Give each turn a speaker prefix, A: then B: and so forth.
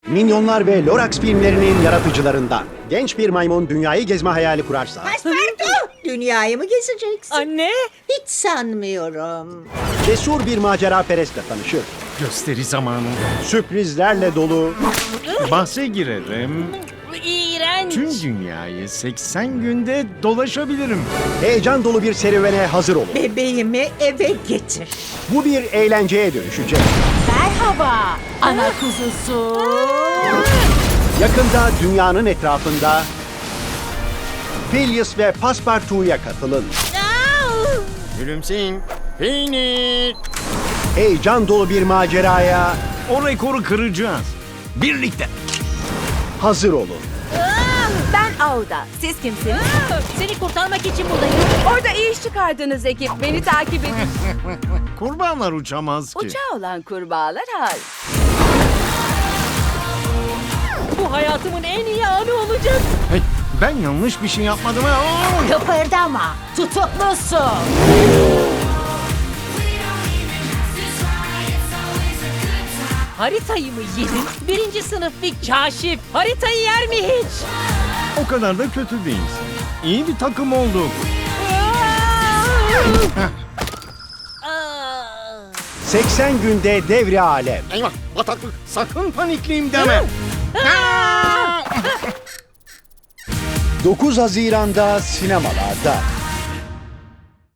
A: Minyonlar ve Lorax filmlerinin yaratıcılarından. Genç bir maymun dünyayı gezme hayali kurarsa...
B: Paspartu! Dünyayı mı gezeceksin?
C: Anne!
B: Hiç sanmıyorum.
A: Cesur bir macera perestle tanışır.
D: Gösteri zamanı.
A: Sürprizlerle dolu,
D: Bahse girerim.
C: İğrenç!
D: Tüm dünyayı 80 günde dolaşabilirim.
A: heyecan dolu bir serüvene hazır olun.
B: Bebeğimi eve getir.
A: Bu bir eğlenceye dönüşecek.
C: Merhaba! Ana kuzusu!
A: Yakında dünyanın etrafında Phileas ve Passepartout'ya katılın.
D: Gülümseyin. Peynir.
A: Heyecan dolu bir maceraya
D: O rekoru kıracağız. Birlikte.
A: hazır olun.
E: Ben Auda. Siz kimsiniz?
C: Seni kurtarmak için buradayım.
E: Orada iyi iş çıkardınız ekip. Beni takip edin.
D: Kurbağalar uçamaz ki.
E: Uçağı olan kurbağalar hayır.
C: Bu hayatımın en iyi anı olacak.
D: Hey, ben yanlış bir şey yapmadım.
C: Kıpırdama! Tutuklusun! Haritayı mı yedin? Birinci sınıf bir kaşif. Haritayı yer mi hiç?
D: O kadar da kötü değilsin. İyi bir takım olduk.
C: Aa!
A: 80 günde devre alem.
D: Eyvah, bataklık. Sakın panikliyim deme.
A: 9 Haziran'da sinemalarda.